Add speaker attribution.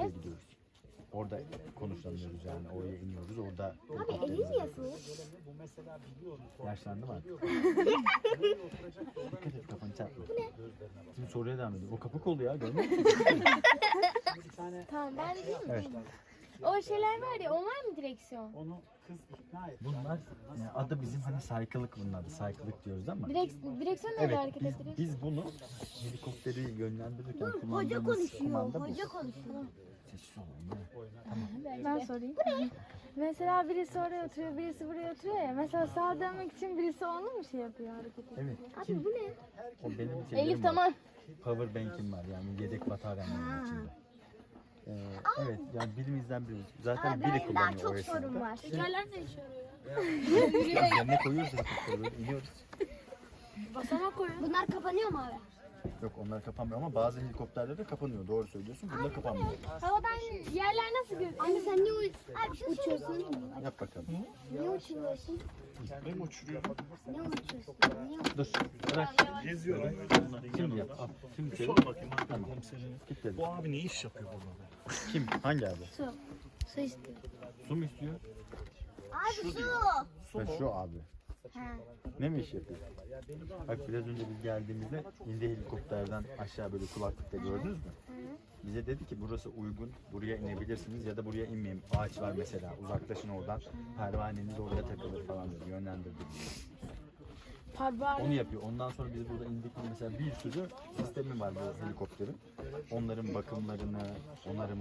Speaker 1: gidiyoruz. Orada konuşlanıyoruz yani. Oraya iniyoruz. Orada
Speaker 2: Abi elin niye soğuk?
Speaker 1: yaşlandım artık. Dikkat et kafanı çarpma. Şimdi soruya devam ediyor. O kapak oldu ya görmüyor musun?
Speaker 3: Tamam ben de değil mi?
Speaker 1: Evet.
Speaker 3: O şeyler var ya, onlar mı direksiyon?
Speaker 4: Onu kız ikna etti.
Speaker 1: Bunlar yani adı bizim hani saykılık bunun adı. Saykılık diyoruz ama.
Speaker 3: Direksiyon nerede
Speaker 1: Evet
Speaker 3: hareket ettiriyor?
Speaker 1: biz bunu helikopteri yönlendirirken
Speaker 2: Hoca
Speaker 1: kullandığımız
Speaker 2: konuşuyor.
Speaker 1: kumanda bu.
Speaker 2: Hoca konuşuyor.
Speaker 1: Sessiz olun.
Speaker 3: Ben sorayım. Mesela birisi oraya oturuyor, birisi buraya oturuyor ya. Mesela sağa dönmek için birisi onu mu şey yapıyor, hareket ediyor?
Speaker 1: Evet. Kim?
Speaker 2: Bu ne?
Speaker 1: O benim
Speaker 3: Elif tamam.
Speaker 1: Power bank'im var yani yedek bataryam içinde. Evet yani birimizden biri. Zaten biri
Speaker 2: Benim daha
Speaker 1: kullanıyor
Speaker 2: çok
Speaker 1: o esnada.
Speaker 2: sorun var.
Speaker 3: Tekerler ne işe yarıyor?
Speaker 1: Üzerine koyuyoruz helikopteri böyle iniyoruz.
Speaker 3: Basamak koyun.
Speaker 2: Bunlar kapanıyor mu abi?
Speaker 1: Yok onlar kapanmıyor ama bazı helikopterlerde kapanıyor. Doğru söylüyorsun. Bunlar kapanmıyor.
Speaker 3: Havadan yerler nasıl gözüküyor?
Speaker 2: Anne sen niye abi bir şey uçuyorsun?
Speaker 1: Yap bakalım.
Speaker 2: Niye uçuyorsun?
Speaker 4: Ben uçuruyorum.
Speaker 2: Niye uçuyorsun? Niye
Speaker 1: Dur. Bırak.
Speaker 4: Geziyorum.
Speaker 1: Şimdi yap. Al. Şimdi çevir.
Speaker 4: Sor bakayım abi
Speaker 1: Tamam.
Speaker 4: komiserim.
Speaker 1: Kilitledim.
Speaker 4: Bu abi ne iş yapıyor burada?
Speaker 1: Kim? Hangi abi?
Speaker 2: Su istiyor.
Speaker 1: Su mu istiyor?
Speaker 2: Abi su.
Speaker 1: Ve şu abi.
Speaker 2: Ha.
Speaker 1: Ne mi iş yapıyor? Bak biraz önce biz geldiğimizde indi helikopterden aşağı böyle kulaklıkta gördünüz mü? Bize dedi ki burası uygun, buraya inebilirsiniz ya da buraya inmeyin. Ağaç var mesela, uzaklaşın oradan. Pervaneniz oraya takılır falan dedi, yönlendirdi bizi. Onu yapıyor. Ondan sonra biz burada indik mesela bir sürü sistemi var bu helikopterin. Onların bakımlarını, onarım